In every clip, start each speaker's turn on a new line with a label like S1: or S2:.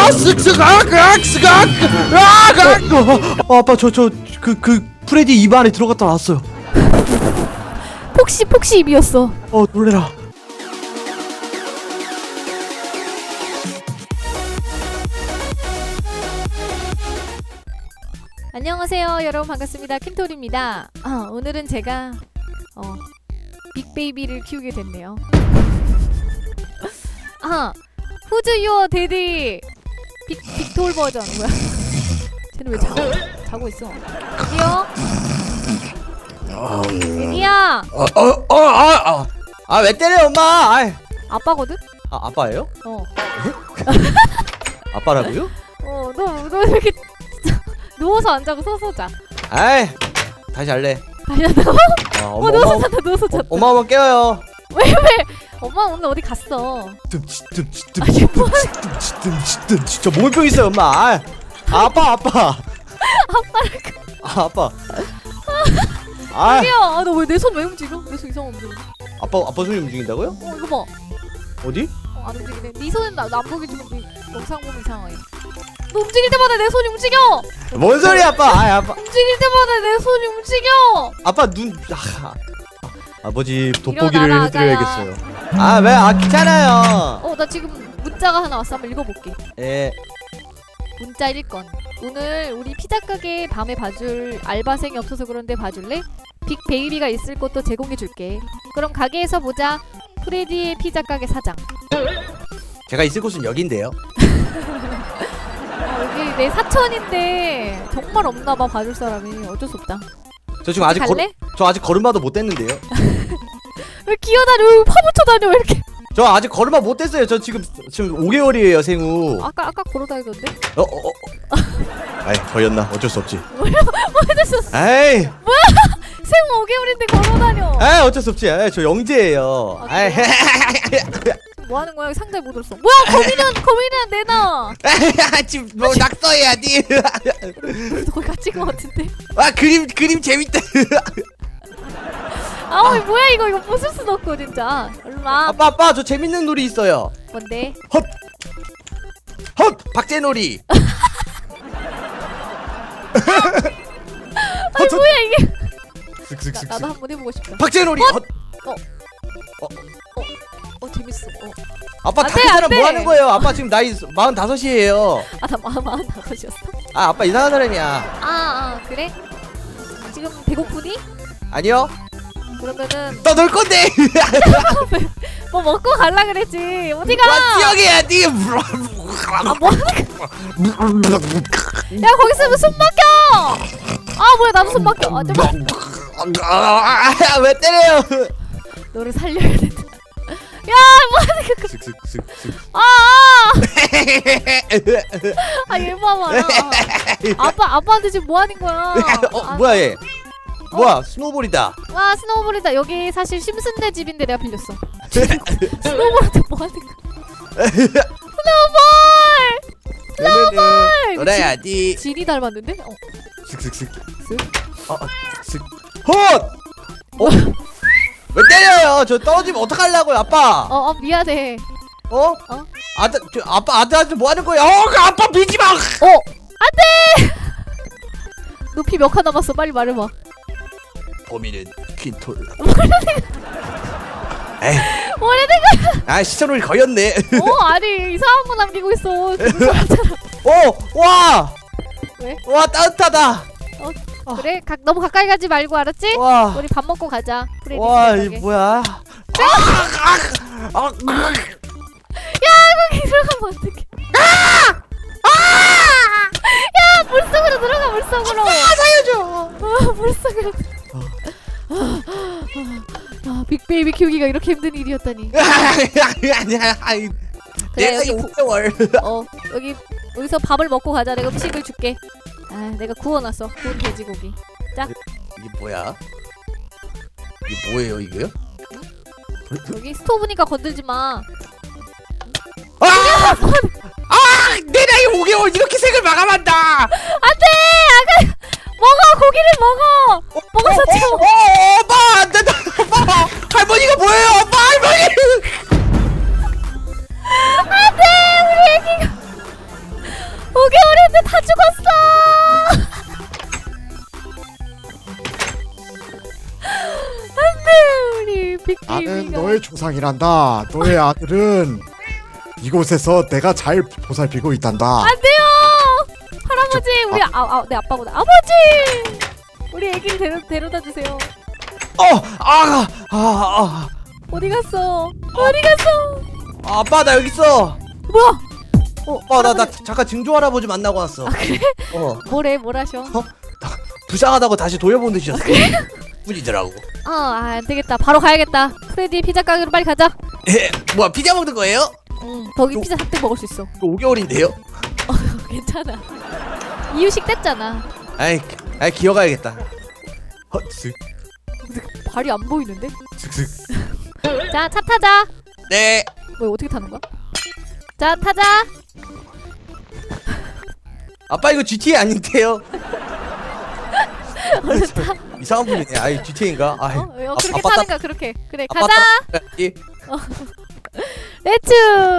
S1: 아빠 그 프레디 입 안에 들어갔다 나왔어요.
S2: 폭시 입이었어.
S1: 놀래라.
S2: 안녕하세요 여러분, 반갑습니다. 킨토리입니다. 오늘은 제가 빅베이비를 키우게 됐네요. 후즈 유어 데디 빅톨 버전. 뭐야 쟤는 왜 자고 있어. 데디야.
S1: 왜 때려 엄마?
S2: 아빠거든?
S1: 아빠예요? 아빠라고요?
S2: 너 이렇게 누워서 안 자고 서서 자.
S1: 다시 할래.
S2: 다시 한다고? 누워서 잤다.
S1: 엄마 깨워요.
S2: 왜? 엄마 오늘 어디 갔어?
S1: 저 몸병 있어요 엄마. 아빠.
S2: 야, 너 왜 내 손 왜 움직여? 내 손 이상한 움직여.
S1: 아빠 손이 움직인다고요?
S2: 이거 봐.
S1: 어디?
S2: 안 움직이네. 네 손은 나 안 보기 좀 영상 보면 이상해. 너 움직일 때마다 내 손이 움직여.
S1: 뭔 소리야 아빠? 아빠.
S2: 움직일 때마다 내 손이 움직여.
S1: 아빠 눈. 아버지 돋보기를
S2: 일어나라,
S1: 해드려야겠어요. 왜? 귀찮아요.
S2: 나 지금 문자가 하나 왔어. 한번 읽어볼게.
S1: 예.
S2: 문자 1건. 오늘 우리 피자 가게 밤에 봐줄 알바생이 없어서 그런데 봐줄래? 빅 베이비가 있을 곳도 제공해줄게. 그럼 가게에서 보자. 프레디의 피자 가게 사장.
S1: 제가 있을 곳은 여긴데요.
S2: 여기 내 사촌인데 정말 없나봐 봐줄 사람이. 어쩔 수 없다.
S1: 저 지금 아직
S2: 갈래?
S1: 저 아직 걸음마도 못 뗐는데요.
S2: 왜 기어다녀? 왜 파묻혀 다녀? 왜 이렇게?
S1: 저 아직 걸음마 못 뗐어요. 저 지금 5개월이에요 생우.
S2: 아까 걸어다니던데?
S1: 걸렸나? 어쩔 수 없지.
S2: 뭐 해줬어?
S1: 에이.
S2: 생후 5개월인데 걸어다녀.
S1: 어쩔 수 없지. 저 영재예요.
S2: 뭐 하는 거야? 상자에 못 들었어. 뭐야? 거미는 내놔.
S1: 지금 뭐 낙서해야 돼.
S2: 우리도 거기 갇힌 거 같은데.
S1: 그림 재밌다.
S2: 뭐야 이거 부술 수도 없고 진짜. 얼마?
S1: 아빠 저 재밌는 놀이 있어요.
S2: 뭔데?
S1: 헛 박제놀이.
S2: 뭐야 이게? 나도
S1: 쓱쓱쓱쓱.
S2: 한번 해보고 싶다.
S1: 박제놀이.
S2: 재밌어.
S1: 아빠
S2: 안 돼,
S1: 다른
S2: 안
S1: 사람
S2: 돼.
S1: 뭐 하는 거예요? 아빠 지금 나이 45이에요.
S2: 나 45이었어?
S1: 아빠 이상한 사람이야.
S2: 그래? 지금 배고프니?
S1: 아니요.
S2: 그러면은
S1: 너 놀 건데.
S2: 뭐 먹고 갈라 그랬지. 어디가?
S1: 지역이야 니.
S2: 뭐 하는 거야? 야 거기 있으면 숨 막혀. 뭐야 나도 숨 막혀.
S1: 왜 때려요?
S2: 너를 살려야 된다. 야 뭐 하는 거야?
S1: 쓱쓱쓱쓱.
S2: 얘 봐봐. 아빠한테 지금 뭐 하는 거야?
S1: 뭐야 얘? 뭐야 스노우볼이다.
S2: 와 스노우볼이다. 여기 사실 심슨네 집인데 내가 빌렸어. 스노우볼한테 뭐 하는 거야? 스노우볼!
S1: 놀아야지.
S2: 진이 닮았는데?
S1: 슥슥슥. 슥. 헛! 왜 때려요? 저 떨어지면 어떡하려고요 아빠?
S2: 미안해.
S1: 아들한테 뭐 하는 거야? 그 아빠 비지 마.
S2: 안돼. 높이 몇 칸 남았어? 빨리 말해봐.
S1: 범인은 퀸톨.
S2: 뭐라는 거야?
S1: 시선을 거였네.
S2: 아니 이상한 거 남기고 있어.
S1: 와.
S2: 왜?
S1: 와 따뜻하다.
S2: 그래? 너무 가까이 가지 말고 알았지?
S1: 와.
S2: 우리 밥 먹고 가자. 프레디
S1: 와,
S2: 집에
S1: 이 뭐야?
S2: 거기 들어가면 어떡해? 야 물속으로 들어가. 물속으로. 살려줘. 물속으로. 빅베이비 키우기가 이렇게 힘든 일이었다니. 그래 여기
S1: 5개월.
S2: 여기서 밥을 먹고 가자. 내가 음식을 줄게. 내가 구워놨어. 구운 돼지고기. 자.
S1: 이게 뭐야? 이게 뭐예요 이게요?
S2: 여기 스토브니까 건들지 마.
S1: 내 나이 5개월 이렇게 색을 마감한다.
S2: 안돼. 먹어. 고기를 먹어. 먹어서 채워.
S1: 엄마 안 된다. 엄마 할머니가 뭐예요? 엄마 할머니.
S2: 안돼. 우리 애기가 근데 다 죽었어. 안돼 우리
S3: 나는
S2: 빅베이비가.
S3: 너의 조상이란다. 너의 아들은 이곳에서 내가 잘 보살피고 있단다.
S2: 안돼요. 할아버지 우리 내 아빠보다 아버지. 우리 애기를 데려다 주세요. 어디 갔어? 어디 갔어?
S1: 아빠 나 여기 있어.
S2: 뭐야?
S1: 나 잠깐 증조 할아버지 만나고 왔어.
S2: 아 그래? 뭐래? 뭘 하셔?
S1: 불쌍하다고 다시 돌려보내주셨어. 뿐이더라고.
S2: 안 되겠다. 바로 가야겠다. 프레디 피자 가게로 빨리 가자.
S1: 뭐야 피자 먹는 거예요?
S2: 응. 거기 피자 3대 먹을 수 있어.
S1: 5개월인데요?
S2: 괜찮아. 이유식 뗐잖아.
S1: 아이 기어가야겠다. 쓱
S2: 발이 안 보이는데?
S1: 쓱쓱.
S2: 자, 차 타자.
S1: 네.
S2: 뭐 어떻게 타는 거야? 자, 타자.
S1: 아빠 이거 GTA 아닌데요?
S2: 얼른 타.
S1: 이상한 분이네. 아이 GTA인가?
S2: 그렇게
S1: 아빠
S2: 타는 거야. 그렇게. 그래,
S1: 아빠
S2: 가자.
S1: 따라가야지.
S2: 렛츠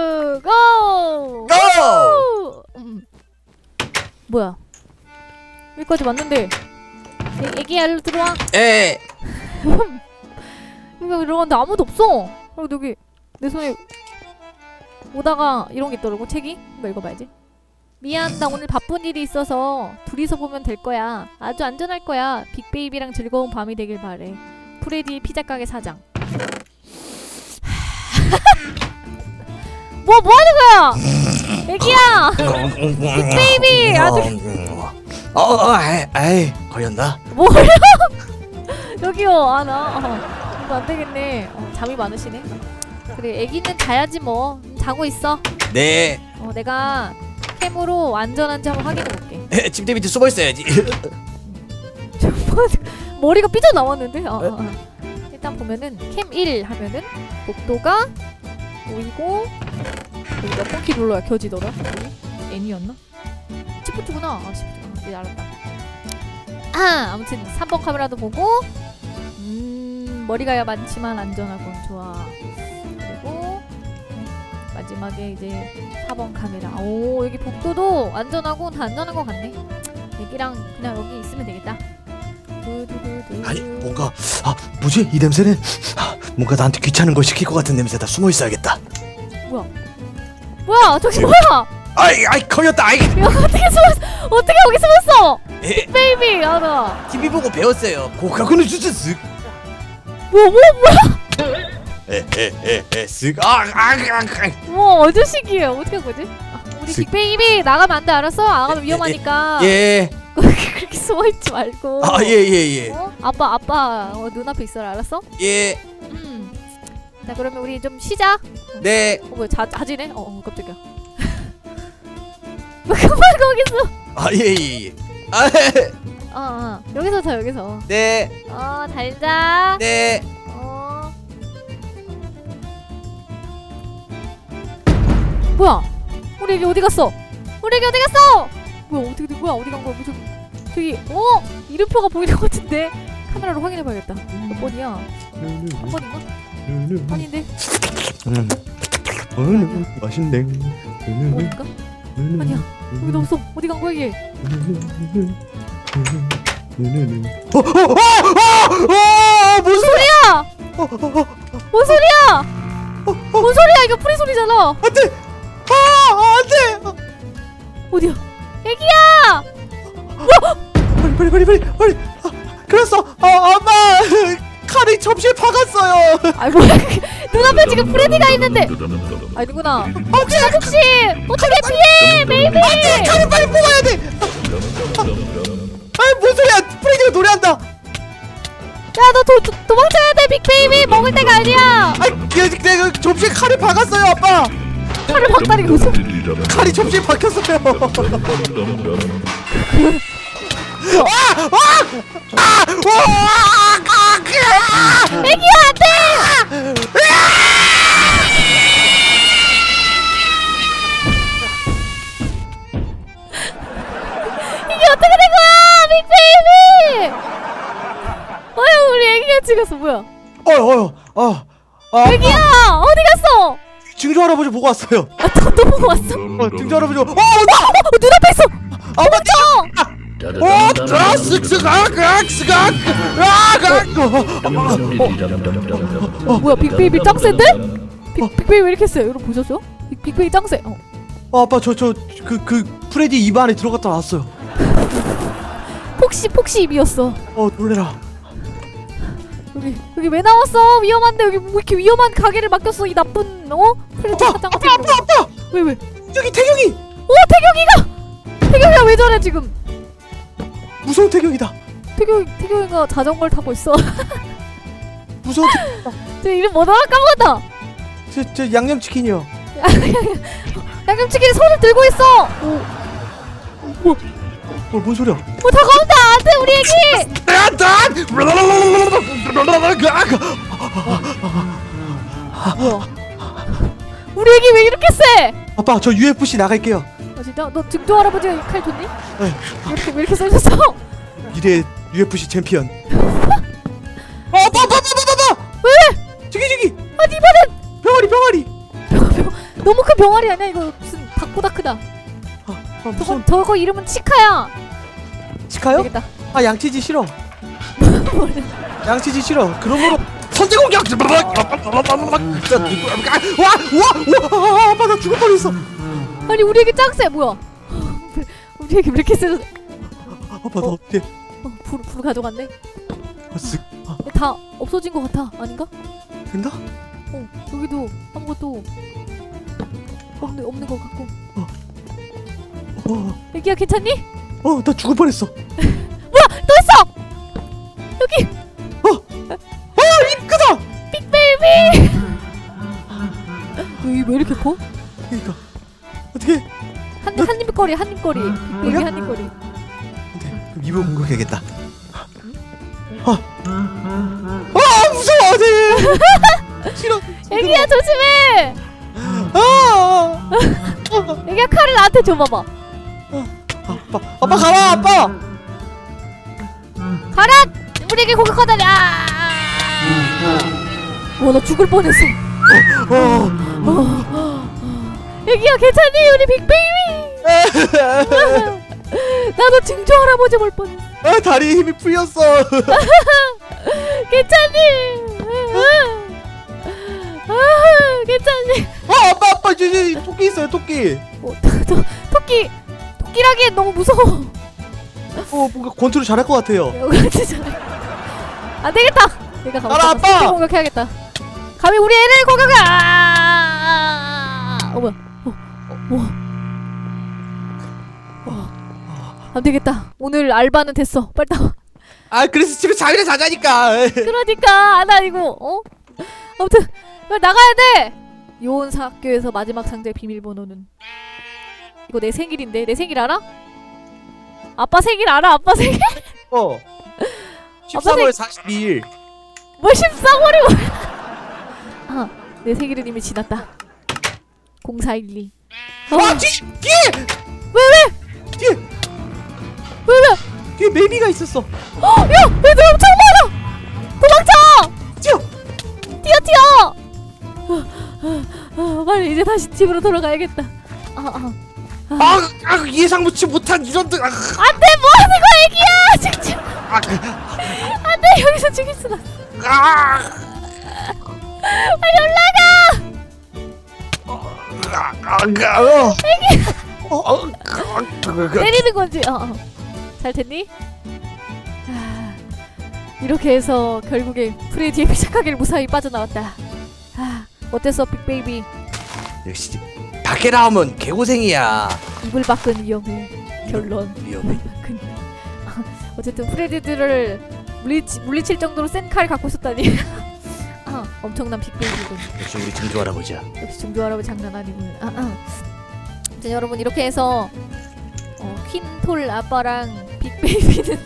S2: 고!
S1: 고!
S2: 뭐야? 여기까지 왔는데 애기야 일로 들어와.
S1: 에.
S2: 여기 들어갔는데 아무도 없어. 그리고 여기 내 손에 오다가 이런 게 있더라고. 책이. 이거 읽어봐야지. 미안, 나 오늘 바쁜 일이 있어서 둘이서 보면 될 거야. 아주 안전할 거야. 빅베이비랑 즐거운 밤이 되길 바래. 프레디 피자 가게 사장. 뭐 하는 거야? 애기야. 빅베이비 아주
S1: 아이 걸렸나?
S2: 뭐야? 여기요. 이거 안 되겠네. 잠이 많으시네. 그래, 애기는 자야지 뭐. 자고 있어.
S1: 네.
S2: 내가 캠으로 안전한지 한번 확인해 볼게.
S1: 침대 밑에 숨어 있어야지.
S2: 머리가 삐져 나왔는데. 일단 보면은 캠 1 하면은 복도가 보이고 여기 몇 번 키 눌러야 켜지더라. 여기 N이었나? 시프트구나. 시프트구나. 이제 알았다. 아무튼 3번 카메라도 보고 머리가 많지만 안전하군. 좋아. 그리고 마지막에 이제 4번 카메라. 오, 여기 복도도 안전하고 다 안전한 것 같네. 애기랑 그냥 여기 있으면 되겠다.
S1: 아니 뭔가 뭐지 이 냄새는 뭔가 나한테 귀찮은 걸 시킬 것 같은 냄새다. 숨어 있어야겠다.
S2: 뭐야? 저기 뭐야?
S1: 아이 걸렸다. 아이.
S2: 야, 어떻게 여기 숨었어? 베이비, 나
S1: TV 보고 배웠어요. 고가구는 주스.
S2: 뭐야?
S1: 쓱.
S2: 뭐 아저씨기야. 어떻게 한 거지? 우리 빅베이비 나가면 안 돼. 알았어? 나가면 위험하니까.
S1: 예.
S2: 그렇게 숨어 있지 말고.
S1: 예.
S2: 아빠 눈앞에 있어라. 알았어?
S1: 예.
S2: 자, 그러면 우리 좀 쉬자.
S1: 네.
S2: 뭐야? 자지네? 깜짝이야. 그만 거기서.
S1: 예.
S2: 여기서 자, 여기서.
S1: 네.
S2: 잘 자.
S1: 네.
S2: 뭐야? 우리 애기 어디 갔어? 뭐야? 어떻게 된 거야? 어디 간 거야? 저기 이름표가 보이는 것 같은데 카메라로 확인해봐야겠다. 몇 번이야? 3번인가? 아닌데?
S1: 맛있네.
S2: 5번인가? 아니야. 여기도 없어. 어디 간 거야 이게?
S1: 무슨
S2: 소리야? 뭔 소리야? 뭔 소리야? 이거 프리 소리잖아.
S1: 안돼. 안돼.
S2: 어디야? 애기야!
S1: 빨리. 그랬어. 엄마 칼이 접시에 박았어요.
S2: 아이 뭐야? 눈앞에 지금 프레디가 있는데. 아니구나. 아저씨 어떻게 피해, 베이비?
S1: 안돼. 칼을 빨리 뽑아야 돼. 뭔 소리야? 프레디가 노래한다.
S2: 야, 너 도망쳐야 돼, 빅베이비. 먹을 때가 아니야.
S1: 내가 접시에 칼을 박았어요, 아빠.
S2: 칼을 박다니 무슨?
S1: 칼이 접시에 박혔어요.
S2: 애기야, 안돼! 이게 어떻게 된 거야, 빅베이비? 우리 애기가 찍었어. 뭐야? 애기야, 어디 갔어?
S1: 증조 할아버지 보고 왔어요.
S2: 또 보고 왔어?
S1: 증조 할아버지.
S2: 눈앞에 있어. 뭐야 빅베이비 짱 센데? 빅베이비 왜 이렇게 세? 여러분 보셨죠? 빅베이비 짱 세.
S1: 아빠 저 그 프레디 입 안에 들어갔다 나왔어요.
S2: 폭시 입이었어.
S1: 놀래라.
S2: 여기 왜 나왔어? 위험한데 여기 뭐 이렇게 위험한 가게를 맡겼어 이 나쁜 프레디 사장 같은 거.
S1: 아빠
S2: 왜?
S1: 여기 태경이.
S2: 태경이가 왜 저래 지금?
S1: 무서운 태경이다.
S2: 태경이가 자전거를 타고 있어.
S1: 무서운
S2: 저 이름 뭐더라 까먹었다.
S1: 저 양념치킨이요.
S2: 양념치킨 손을 들고 있어.
S1: 뭔 소리야?
S2: 다가온다. 안돼 우리 애기. 뭐야? 우리 애기 왜 이렇게 세?
S1: 아빠 저 UFC 나갈게요.
S2: 진짜? 너 증조 할아버지가 칼 줬니?
S1: 네.
S2: 왜 이렇게 써졌어?
S1: 미래 UFC 챔피언. 아빠!
S2: 왜?
S1: 저기!
S2: 아니 이번엔
S1: 병아리!
S2: 너무 큰 병아리 아니야 이거 무슨 닭보다 크다.
S1: 무슨
S2: 저거 이름은 치카야.
S1: 치카요?
S2: 되겠다.
S1: 양치지 싫어. 양치지 싫어. 그러므로 선제 공격! 와! 아빠 나 죽을 뻔했어.
S2: 아니 우리 애기 짱세 뭐야? 우리 애기 왜 이렇게 세졌어?
S1: 아빠 나 어떡해.
S2: 불 가져갔네.
S1: 쓱.
S2: 다 없어진 것 같아. 아닌가?
S1: 된다?
S2: 여기도 아무것도 없는 것 같고. 애기야 괜찮니?
S1: 나 죽을 뻔했어.
S2: 뭐야 또 있어! 여기!
S1: 입 크다!
S2: 빅베이비! 여기 왜 이렇게 커?
S1: 그니까 어떻게
S2: 한입거리 빅베이비
S1: 뭐야?
S2: 한입거리.
S1: 그럼 입을 공격해야겠다. 무서워 네. 싫어.
S2: 애기야 조심해! 애기야 칼을 나한테 줘봐봐.
S1: 아빠 가라 아빠.
S2: 가라! 우리 애기 공격하다니. 나 죽을 뻔했어. 애기야 괜찮니? 우리 빅베이비. 나도 증조 할아버지 볼 뻔했어.
S1: 다리에 힘이 풀렸어.
S2: 괜찮니? 괜찮니?
S1: 아빠 저기 토끼 있어요 토끼.
S2: 토끼라기엔 너무 무서워.
S1: 뭔가 권투를 잘할 것 같아요.
S2: 진짜 안 되겠다. 내가 가면
S1: 알아, 아빠!
S2: 공격해야겠다. 감히 우리 애를 공격해. 뭐야? 안 되겠다. 오늘 알바는 됐어. 빨리 나와.
S1: 그래서 집에 자기네 자자니까.
S2: 그러니까 나 이거 아무튼 빨리 나가야 돼. 요원사 학교에서 마지막 상자의 비밀번호는 이거 내 생일인데. 내 생일 알아? 아빠 생일 알아? 아빠 생일?
S1: 13월 42일.
S2: 뭐 13월이 뭐야? 내 생일은 이미 지났다. 0412.
S1: 뒤에!
S2: 왜?
S1: 뒤에 메이비가 있었어.
S2: 야! 애들 엄청 많아! 도망쳐! 뛰어! 빨리 이제 다시 집으로 돌아가야겠다.
S1: 예상치 못한 이런들.
S2: 안돼! 뭐하는 거야 애기야! 죽지 마! 안돼! 여기서 죽일 수가 없어. 빨리 올라가! 때리는 건지. 잘 됐니? 이렇게 해서 결국에 프레디의 피자가게를 무사히 빠져나왔다. 어땠어 빅베이비?
S1: 역시 밖에 나오면 개고생이야.
S2: 이불 밖은 위험해. 결론.
S1: 위험해.
S2: 어쨌든 프레디들을 물리칠 정도로 센 칼 갖고 있었다니. 엄청난 빅베이비군.
S1: 역시 우리 증조 할아버지야.
S2: 역시 증조 할아버지 장난 아니군. 자 여러분 이렇게 해서 퀸톨 아빠랑 빅베이비는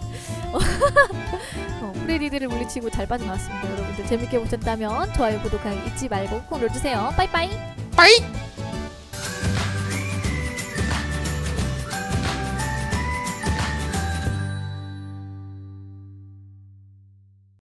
S2: 프레디들을 물리치고 잘 빠져나왔습니다. 여러분들 재밌게 보셨다면 좋아요 구독하기 잊지 말고 꼭 눌러주세요. 빠이빠이.
S1: 빠이.